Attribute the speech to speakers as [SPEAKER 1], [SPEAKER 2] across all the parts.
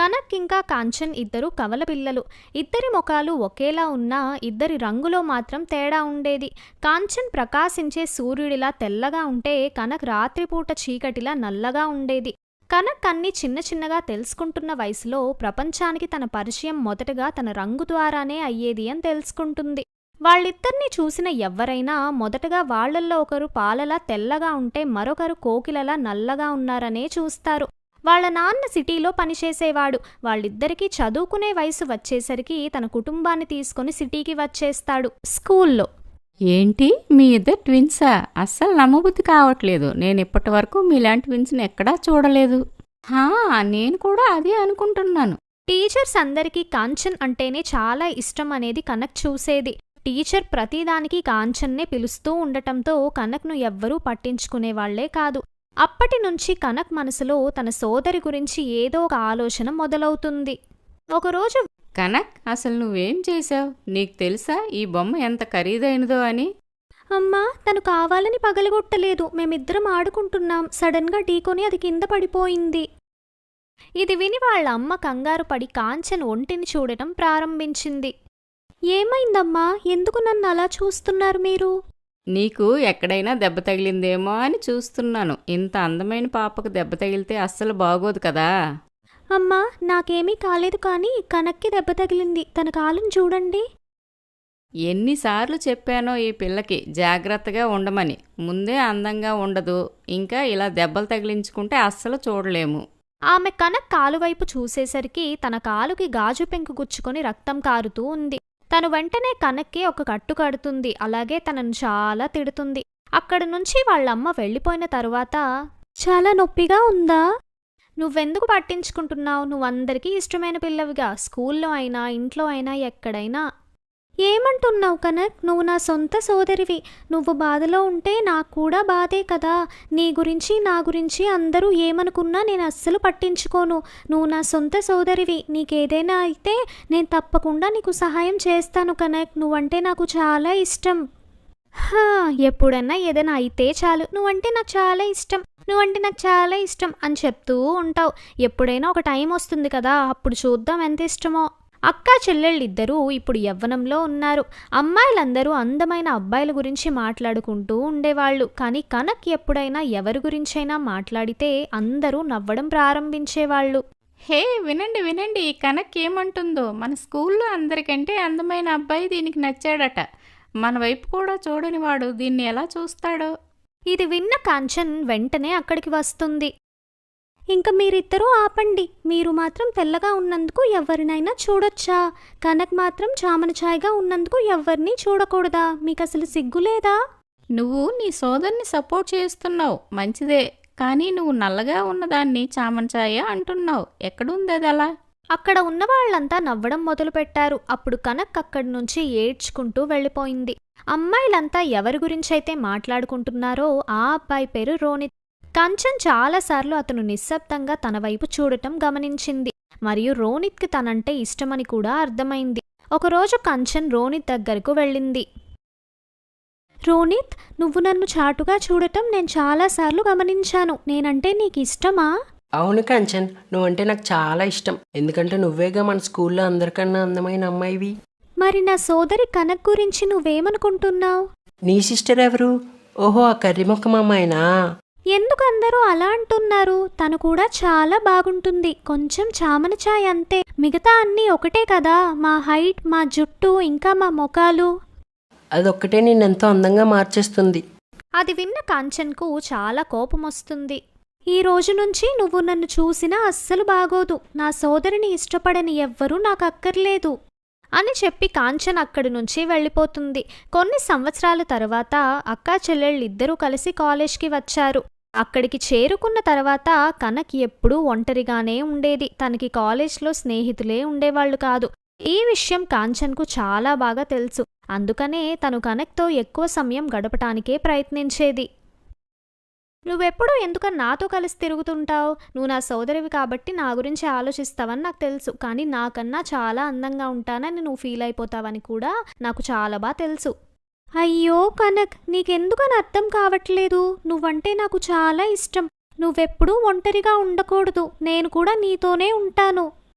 [SPEAKER 1] కనక్ ఇంకా కాంచన్ ఇద్దరు కవల పిల్లలు. ఇద్దరి ముఖాలు ఒకేలా ఉన్నా ఇద్దరి రంగులో మాత్రం తేడా ఉండేది. కాంచన్ ప్రకాశించే సూర్యుడిలా తెల్లగా ఉంటే కనక్ రాత్రిపూట చీకటిలా నల్లగా ఉండేది. కనక్ అన్ని చిన్న చిన్నగా తెలుసుకుంటున్న వయసులో ప్రపంచానికి తన పరిచయం మొదటగా తన రంగు ద్వారానే అయ్యేది అని తెలుసుకుంటుంది. వాళ్ళిద్దరినీ చూసిన ఎవ్వరైనా మొదటగా వాళ్లల్లో ఒకరు పాలలా తెల్లగా ఉంటే మరొకరు కోకిలలా నల్లగా ఉన్నారనే చూస్తారు. వాళ్ళ నాన్న సిటీలో పనిచేసేవాడు. వాళ్ళిద్దరికీ చదువుకునే వయసు వచ్చేసరికి తన కుటుంబాన్ని తీసుకుని సిటీకి వచ్చేస్తాడు. స్కూల్లో
[SPEAKER 2] ఏంటి మీ ఇద్దరు ట్విన్సా? అస్సలు నమ్మబుద్ధి కావట్లేదు. నేను ఇప్పటి వరకు మీలాంటి ట్విన్స్ని ఎక్కడా చూడలేదు. నేను కూడా అదే అనుకుంటున్నాను.
[SPEAKER 1] టీచర్స్ అందరికీ కాంచన్ అంటేనే చాలా ఇష్టం అనేది కనక్ చూసేది. టీచర్ ప్రతిదానికి కాంచన్నే పిలుస్తూ ఉండటంతో కనక్ను ఎవ్వరూ పట్టించుకునేవాళ్లే కాదు. అప్పటి నుంచి కనక్ మనసులో తన సోదరి గురించి ఏదో ఒక ఆలోచన మొదలవుతుంది. ఒకరోజు,
[SPEAKER 2] కనక్, అసలు నువ్వేం చేశావు? నీకు తెలుసా ఈ బొమ్మ ఎంత ఖరీదైనదో అని?
[SPEAKER 1] అమ్మా, తను కావాలని పగలగొట్టలేదు. మేమిద్దరం ఆడుకుంటున్నాం. సడన్గా ఢీకొని అది కింద పడిపోయింది. ఇది విని వాళ్ళ అమ్మ కంగారు పడి కాంచన్ ఒంటిని చూడటం ప్రారంభించింది. ఏమైందమ్మా? ఎందుకు నన్ను అలా చూస్తున్నారు మీరు?
[SPEAKER 2] నీకు ఎక్కడైనా దెబ్బ తగిలిందేమో అని చూస్తున్నాను. ఇంత అందమైన పాపకు దెబ్బ తగిలితే అస్సలు బాగోదు కదా.
[SPEAKER 1] అమ్మా, నాకేమీ కాలేదు, కానీ కనక్కి దెబ్బ తగిలింది. తన కాలుని చూడండి.
[SPEAKER 2] ఎన్నిసార్లు చెప్పానో ఈ పిల్లకి జాగ్రత్తగా ఉండమని. ముందే అందంగా ఉండదు, ఇంకా ఇలా దెబ్బలు తగిలించుకుంటే అస్సలు చూడలేము.
[SPEAKER 1] ఆమె కనక్ కాలువైపు చూసేసరికి తన కాలుకి గాజు పెంకు గుచ్చుకొని రక్తం కారుతూ ఉంది. తను వెంటనే కనక్కి ఒక కట్టు కడుతుంది. అలాగే తనను చాలా తిడుతుంది. అక్కడి నుంచి వాళ్ళమ్మ వెళ్ళిపోయిన తరువాత, చాలా నొప్పిగా ఉందా? నువ్వెందుకు పట్టించుకుంటున్నావు? నువ్వందరికీ ఇష్టమైన పిల్లవిగా. స్కూల్లో అయినా ఇంట్లో అయినా ఎక్కడైనా. ఏమంటున్నావు కనక్? నువ్వు నా సొంత సోదరివి. నువ్వు బాధలో ఉంటే నాకు కూడా బాధే కదా. నీ గురించి నా గురించి అందరూ ఏమనుకున్నా నేను అస్సలు పట్టించుకోను. నువ్వు నా సొంత సోదరివి. నీకేదైనా అయితే నేను తప్పకుండా నీకు సహాయం చేస్తాను కనక్. నువ్వంటే నాకు చాలా ఇష్టం. ఎప్పుడన్నా ఏదైనా అయితే చాలు, నువ్వంటే నాకు చాలా ఇష్టం, నువ్వంటే నాకు చాలా ఇష్టం అని చెప్తూ ఉంటావు. ఎప్పుడైనా ఒక టైం వస్తుంది కదా, అప్పుడు చూద్దాం ఎంత ఇష్టమో. అక్కా చెల్లెళ్ళిద్దరూ ఇప్పుడు యవ్వనంలో ఉన్నారు. అమ్మాయిలందరూ అందమైన అబ్బాయిల గురించి మాట్లాడుకుంటూ ఉండేవాళ్లు. కానీ కనక్ ఎప్పుడైనా ఎవరి గురించైనా మాట్లాడితే అందరూ నవ్వడం ప్రారంభించేవాళ్లు.
[SPEAKER 2] హే, వినండి వినండి, కనక్ ఏమంటుందో. మన స్కూల్లో అందరికంటే అందమైన అబ్బాయి దీనికి నచ్చాడట. మన వైపు కూడా చూడని వాడు దీన్ని ఎలా చూస్తాడో.
[SPEAKER 1] ఇది విన్న కాంచన్ వెంటనే అక్కడికి వస్తుంది. ఇంక మీరిద్దరూ ఆపండి. మీరు మాత్రం తెల్లగా ఉన్నందుకు ఎవరినైనా చూడొచ్చా? కనక్ మాత్రం చామన ఛాయగా ఉన్నందుకు ఎవరినీ చూడకూడదా? మీకసలు సిగ్గులేదా?
[SPEAKER 2] నువ్వు నీ సోదరిని సపోర్ట్ చేస్తున్నావు, మంచిదే. కానీ నువ్వు నల్లగా ఉన్నదాన్ని చామన ఛాయ అంటున్నావు. ఎక్కడుంది అది అలా?
[SPEAKER 1] అక్కడ ఉన్నవాళ్లంతా నవ్వడం మొదలుపెట్టారు. అప్పుడు కనక్ అక్కడి నుంచి ఏడ్చుకుంటూ వెళ్ళిపోయింది. అమ్మాయిలంతా ఎవరి గురించైతే మాట్లాడుకుంటున్నారో ఆ అబ్బాయి పేరు రోనిత్. కాంచన్ చాలాసార్లు అతను నిశ్శబ్దంగా తన వైపు చూడటం గమనించింది. మరియు రోనిత్కి తనంటే ఇష్టమని కూడా అర్థమైంది. ఒకరోజు కాంచన్ రోనిత్ దగ్గరకు వెళ్ళింది. రోనిత్, నువ్వు నన్ను చాటుగా చూడటం నేను చాలాసార్లు గమనించాను. నేనంటే నీకు ఇష్టమా?
[SPEAKER 3] అవును కాంచన్, నువ్వంటే నాకు చాలా ఇష్టం. ఎందుకంటే నువ్వేగా మన స్కూల్లో అందరికన్నా అందమైన అమ్మాయివి.
[SPEAKER 1] మరి నా సోదరి కనక్ గురించి నువ్వేమనుకుంటున్నావు?
[SPEAKER 3] నీ సిస్టర్ ఎవరు? ఓహో, ఆ కర్రీముఖం అమ్మాయినా?
[SPEAKER 1] ఎందుకు అందరూ అలా అంటున్నారు? తను కూడా చాలా బాగుంటుంది. కొంచెం చామన ఛాయ్ అంతే. మిగతా అన్నీ ఒకటే కదా. మా హైట్, మా జుట్టు, ఇంకా మా ముఖాలు.
[SPEAKER 3] అదొక్కటే నిన్నెంతో అందంగా మార్చేస్తుంది.
[SPEAKER 1] అది విన్న కాంచన్కు చాలా కోపం వస్తుంది. ఈ రోజు నుంచి నువ్వు నన్ను చూసినా అస్సలు బాగోదు. నా సోదరిని ఇష్టపడని ఎవ్వరూ నాకు అక్కర్లేదు అని చెప్పి కాంచన్ అక్కడి నుంచి వెళ్ళిపోతుంది. కొన్ని సంవత్సరాల తర్వాత అక్కా చెల్లెళ్ళిద్దరూ కలిసి కాలేజ్కి వచ్చారు. అక్కడికి చేరుకున్న తర్వాత కనక్ ఎప్పుడూ ఒంటరిగానే ఉండేది. తనకి కాలేజ్లో స్నేహితులే ఉండేవాళ్లు కాదు. ఈ విషయం కాంచన్కు చాలా బాగా తెలుసు. అందుకనే తను కనక్తో ఎక్కువ సమయం గడపటానికే ప్రయత్నించేది. నువ్వెప్పుడు ఎందుకని నాతో కలిసి తిరుగుతుంటావు? నువ్వు నా సోదరివి కాబట్టి నా గురించి ఆలోచిస్తావని నాకు తెలుసు. కానీ నాకన్నా చాలా అందంగా ఉంటానని నువ్వు ఫీల్ అయిపోతావని కూడా నాకు చాలా బాగా తెలుసు. అయ్యో కనక్, నీకెందుకని అర్థం కావట్లేదు? నువ్వంటే నాకు చాలా ఇష్టం. నువ్వెప్పుడూ ఒంటరిగా ఉండకూడదు. నేను కూడా నీతోనే ఉంటాను.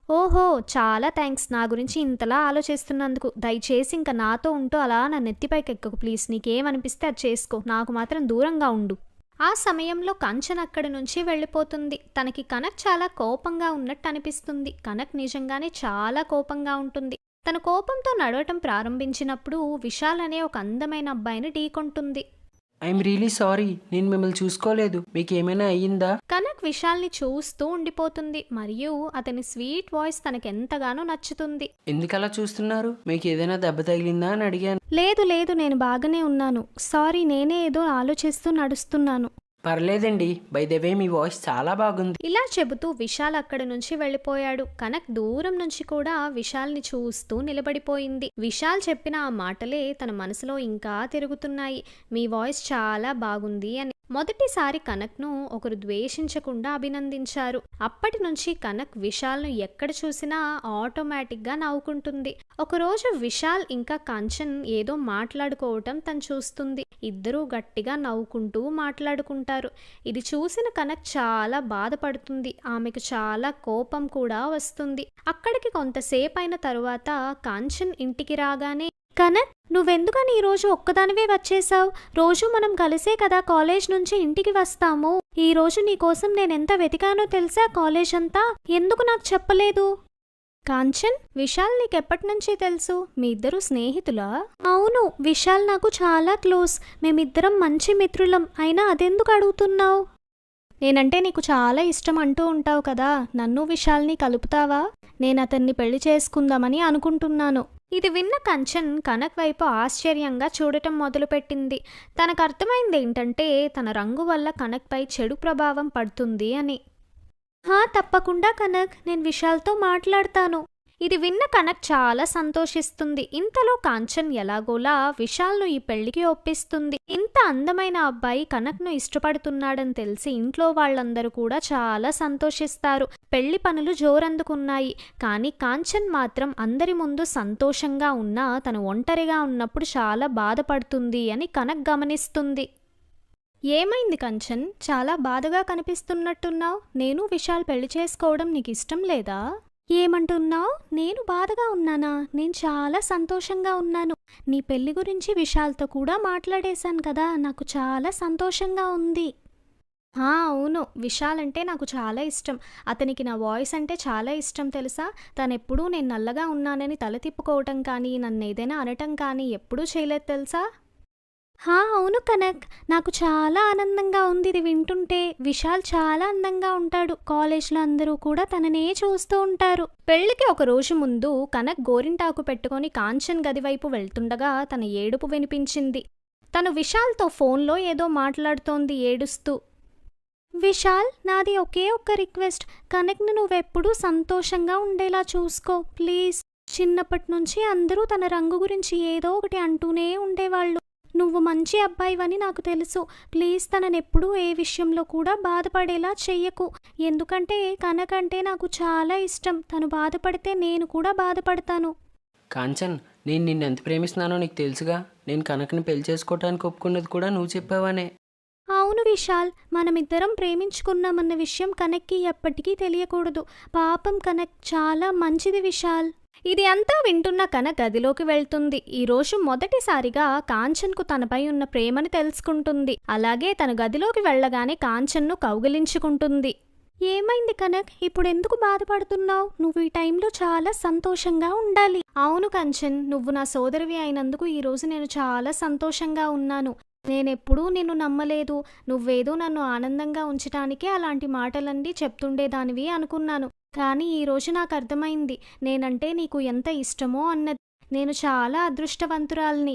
[SPEAKER 1] ఓహో, చాలా థ్యాంక్స్ నా గురించి ఇంతలా ఆలోచిస్తున్నందుకు. దయచేసి ఇంక నాతో ఉంటూ అలా నా నెత్తిపైకి ఎక్కకు ప్లీజ్. నీకేమనిపిస్తే అది చేసుకో, నాకు మాత్రం దూరంగా ఉండు. ఆ సమయంలో కంచన్ అక్కడి నుంచి వెళ్ళిపోతుంది. తనకి కనక్ చాలా కోపంగా ఉన్నట్టు అనిపిస్తుంది. కనక్ నిజంగానే చాలా కోపంగా ఉంటుంది. తన కోపంతో నడవటం ప్రారంభించినప్పుడు విశాల్ అనే ఒక అందమైన అబ్బాయిని ఢీకొంటుంది.
[SPEAKER 3] ఐఎమ్ రియలీ సారీ, నేను మిమ్మల్ని చూసుకోలేదు. మీకు ఏమైనా అయ్యిందా?
[SPEAKER 1] కనక్ విశాల్ని చూస్తూ ఉండిపోతుంది మరియు అతని స్వీట్ వాయిస్ తనకెంతగానో నచ్చుతుంది.
[SPEAKER 3] ఎందుకలా చూస్తున్నారు? మీకు ఏదైనా దెబ్బ తగిలిందా అని అడిగాను.
[SPEAKER 1] లేదు లేదు, నేను బాగానే ఉన్నాను. సారీ, నేనే ఏదో ఆలోచిస్తూ నడుస్తున్నాను.
[SPEAKER 3] పర్లేదండి, బై ద వే మీ వాయిస్ చాలా బాగుంది.
[SPEAKER 1] ఇలా చెబుతూ విశాల్ అక్కడి నుంచి వెళ్ళిపోయాడు. కనక్ దూరం నుంచి కూడా విశాల్ని చూస్తూ నిలబడిపోయింది. విశాల్ చెప్పిన ఆ మాటలే తన మనసులో ఇంకా తిరుగుతున్నాయి. మీ వాయిస్ చాలా బాగుంది అని. మొదటిసారి కనక్ను ఒకరు ద్వేషించకుండా అభినందించారు. అప్పటి నుంచి కనక్ విశాల్ను ఎక్కడ చూసినా ఆటోమేటిక్గా నవ్వుకుంటుంది. ఒకరోజు విశాల్ ఇంకా కంచన్ ఏదో మాట్లాడుకోవటం తను చూస్తుంది. ఇద్దరూ గట్టిగా నవ్వుకుంటూ మాట్లాడుకుంటారు. ఇది చూసిన కనక్ చాలా బాధపడుతుంది. ఆమెకు చాలా కోపం కూడా వస్తుంది. అక్కడికి కొంతసేపు అయిన తరువాత కాంచన్ ఇంటికి రాగానే, కనక్ నువ్వెందుకని ఈరోజు ఒక్కదానివే వచ్చేసావు? రోజు మనం కలిసే కదా కాలేజ్ నుంచి ఇంటికి వస్తాము. ఈరోజు నీకోసం నేనెంత వెతికానో తెలుసా కాలేజ్ అంతా. ఎందుకు నాకు చెప్పలేదు? కాంచన్, విశాల్ నీకెప్పటి నుంచి తెలుసు? మీ ఇద్దరు స్నేహితులా? అవును, విశాల్ నాకు చాలా క్లోజ్. మేమిద్దరం మంచి మిత్రులం. అయినా అదెందుకు అడుగుతున్నావు? నేనంటే నీకు చాలా ఇష్టం అంటూ ఉంటావు కదా, నన్ను విశాల్ని కలుపుతావా? నేను అతన్ని పెళ్లి చేసుకుందామని అనుకుంటున్నాను. ఇది విన్న కంచన్ కనక్ వైపు ఆశ్చర్యంగా చూడటం మొదలుపెట్టింది. తనకు అర్థమైంది ఏంటంటే తన రంగు వల్ల కనక్పై చెడు ప్రభావం పడుతుంది అని. తప్పకుండా కనక్, నేను విశాల్తో మాట్లాడతాను. ఇది విన్న కనక్ చాలా సంతోషిస్తుంది. ఇంతలో కాంచన్ ఎలాగోలా విశాల్ను ఈ పెళ్లికి ఒప్పిస్తుంది. ఇంత అందమైన అబ్బాయి కనక్ను ఇష్టపడుతున్నాడని తెలిసి ఇంట్లో వాళ్ళందరూ కూడా చాలా సంతోషిస్తారు. పెళ్లి పనులు జోరందుకున్నాయి. కానీ కాంచన్ మాత్రం అందరి ముందు సంతోషంగా ఉన్నా తను ఒంటరిగా ఉన్నప్పుడు చాలా బాధపడుతుంది అని కనక్ గమనిస్తుంది. ఏమైంది కంచన్, చాలా బాధగా కనిపిస్తున్నట్టున్నావు? నేను విశాల్ పెళ్లి చేసుకోవడం నీకు ఇష్టం లేదా? ఏమంటున్నావు? నేను బాధగా ఉన్నానా? నేను చాలా సంతోషంగా ఉన్నాను. నీ పెళ్లి గురించి విశాల్తో కూడా మాట్లాడేశాను కదా, నాకు చాలా సంతోషంగా ఉంది. అవును, విశాల్ అంటే నాకు చాలా ఇష్టం. అతనికి నా వాయిస్ అంటే చాలా ఇష్టం తెలుసా? తనెప్పుడూ నేను నల్లగా ఉన్నానని తల తిప్పుకోవటం కానీ నన్ను ఏదైనా అనటం కానీ ఎప్పుడూ చేయలేదు తెలుసా? అవును కనక్, నాకు చాలా ఆనందంగా ఉంది ఇది వింటుంటే. విశాల్ చాలా అందంగా ఉంటాడు. కాలేజ్లో అందరూ కూడా తననే చూస్తూ ఉంటారు. పెళ్లికి ఒక రోజు ముందు కనక్ గోరింటాకు పెట్టుకొని కాంచన్ గది వైపు వెళ్తుండగా తన ఏడుపు వినిపించింది. తను విశాల్తో ఫోన్లో ఏదో మాట్లాడుతోంది ఏడుస్తూ. విశాల్, నాది ఒకే ఒక్క రిక్వెస్ట్. కనక్ను నువ్వెప్పుడూ సంతోషంగా ఉండేలా చూసుకో ప్లీజ్. చిన్నప్పటి నుంచి అందరూ తన రంగు గురించి ఏదో ఒకటి అంటూనే ఉండేవాళ్ళు. నువ్వు మంచి అబ్బాయివని నాకు తెలుసు. ప్లీజ్ తననెప్పుడూ ఏ విషయంలో కూడా బాధపడేలా చెయ్యకు. ఎందుకంటే కనక్ అంటే నాకు చాలా ఇష్టం. తను బాధపడితే నేను కూడా బాధపడతాను.
[SPEAKER 3] కాంచన్, నేను నిన్ను ఎంత ప్రేమిస్తున్నానో నీకు తెలుసుగా. నేను కనక్ని పెళ్లి చేసుకోవడానికి ఒప్పుకున్నది కూడా నువ్వు చెప్పావనే.
[SPEAKER 1] అవును విశాల్, మనమిద్దరం ప్రేమించుకున్నామన్న విషయం కనక్కి ఎప్పటికీ తెలియకూడదు. పాపం కనక్ చాలా మంచిది విశాల్. ఇది అంతా వింటున్న కనక్ గదిలోకి వెళ్తుంది. ఈరోజు మొదటిసారిగా కాంచన్కు తనపై ఉన్న ప్రేమని తెలుసుకుంటుంది. అలాగే తన గదిలోకి వెళ్ళగానే కాంచన్ను కౌగిలించుకుంటుంది. ఏమైంది కనక్, ఇప్పుడెందుకు బాధపడుతున్నావు? నువ్వు ఈ టైంలో చాలా సంతోషంగా ఉండాలి. అవును కంచన్, నువ్వు నా సోదరివి అయినందుకు ఈరోజు నేను చాలా సంతోషంగా ఉన్నాను. నేనెప్పుడూ నిన్ను నమ్మలేదు. నువ్వేదో నన్ను ఆనందంగా ఉంచటానికే అలాంటి మాటలన్నీ చెప్తుండేదానివి అనుకున్నాను. కానీ ఈరోజు నాకు అర్థమైంది నేనంటే నీకు ఎంత ఇష్టమో అన్నది. నేను చాలా అదృష్టవంతురాల్ని.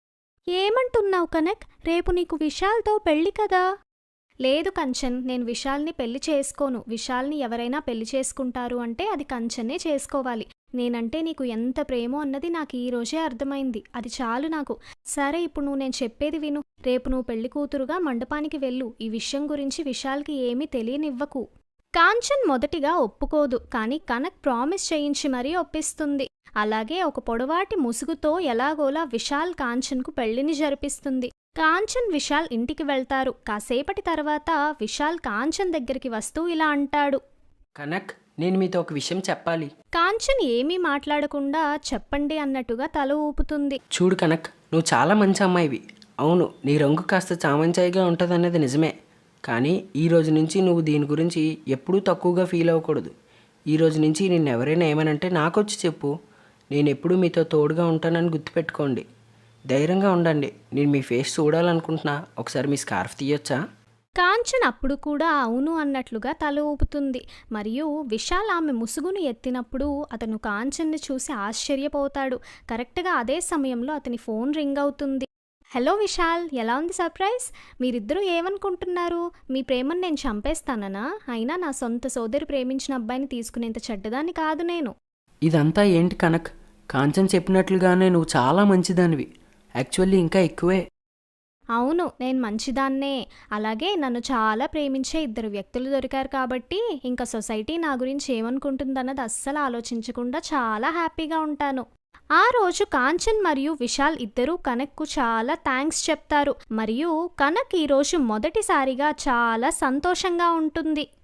[SPEAKER 1] ఏమంటున్నావు కనక్? రేపు నీకు విశాల్తో పెళ్లి కదా? లేదు కంచన్, నేను విశాల్ని పెళ్లి చేసుకోను. విశాల్ని ఎవరైనా పెళ్లి చేసుకుంటారు అంటే అది కంచన్నే చేసుకోవాలి. నేనంటే నీకు ఎంత ప్రేమో అన్నది నాకు ఈరోజే అర్థమైంది. అది చాలు నాకు. సరే, ఇప్పుడు నువ్వు నేను చెప్పేది విను. రేపు నువ్వు పెళ్లి కూతురుగా మండపానికి వెళ్ళు. ఈ విషయం గురించి విశాల్కి ఏమీ తెలియనివ్వకు. కాంచన్ మొదటిగా ఒప్పుకోదు. కానీ కనక్ ప్రామిస్ చేయించి మరీ ఒప్పిస్తుంది. అలాగే ఒక పొడవాటి ముసుగుతో ఎలాగోలా విశాల్ కాంచన్కు పెళ్లిని జరిపిస్తుంది. కాంచన్ విశాల్ ఇంటికి వెళ్తారు. కాసేపటి తర్వాత విశాల్ కాంచన్ దగ్గరికి వస్తూ ఇలా అంటాడు.
[SPEAKER 3] కనక్, నేను మీతో ఒక విషయం చెప్పాలి.
[SPEAKER 1] కాంచన్ ఏమీ మాట్లాడకుండా చెప్పండి అన్నట్టుగా తల ఊపుతుంది.
[SPEAKER 3] చూడు కనక్, నువ్వు చాలా మంచి అమ్మాయివి. అవును, నీ రంగు కాస్త చామంచాయిగా ఉంటుందన్నది నిజమే. కానీ ఈ రోజు నుంచి నువ్వు దీని గురించి ఎప్పుడూ తక్కువగా ఫీల్ అవ్వకూడదు. ఈ రోజు నుంచి నిన్ను ఎవరైనా ఏమనంటే నాకొచ్చి చెప్పు. నేను ఎప్పుడూ మీతో తోడుగా ఉంటానని గుర్తుపెట్టుకోండి. ధైర్యంగా ఉండండి. నేను మీ ఫేస్ చూడాలనుకుంటున్నా. ఒకసారి మీ స్కార్ఫ్ తీయొచ్చా?
[SPEAKER 1] కాంచన్ అప్పుడు కూడా అవును అన్నట్లుగా తల ఊపుతుంది. మరియు విశాల్ ఆమె ముసుగును ఎత్తినప్పుడు అతను కాంచన్ని చూసి ఆశ్చర్యపోతాడు. కరెక్ట్గా అదే సమయంలో అతని ఫోన్ రింగ్ అవుతుంది. హలో విశాల్, ఎలా ఉంది సర్ప్రైజ్? మీరిద్దరూ ఏమనుకుంటున్నారు? మీ ప్రేమను నేను చంపేస్తాననా? అయినా నా సొంత సోదరి ప్రేమించిన అబ్బాయిని తీసుకునేంత చెడ్డదాన్ని కాదు నేను.
[SPEAKER 3] ఇదంతా ఏంటి కనక్? కాంచన్ చెప్పినట్లుగానే నువ్వు చాలా మంచిదానివి. యాక్చువల్లీ ఇంకా ఎక్కువే.
[SPEAKER 1] అవును, నేను మంచిదాన్నే. అలాగే నన్ను చాలా ప్రేమించే ఇద్దరు వ్యక్తులు దొరికారు కాబట్టి ఇంకా సొసైటీ నా గురించి ఏమనుకుంటుందన్నది అస్సలు ఆలోచించకుండా చాలా హ్యాపీగా ఉంటాను. ఆ రోజు కాంచన్ మరియు విశాల్ ఇద్దరూ కనక్కు చాలా థ్యాంక్స్ చెప్తారు. మరియు కనక్ ఈరోజు మొదటిసారిగా చాలా సంతోషంగా ఉంటుంది.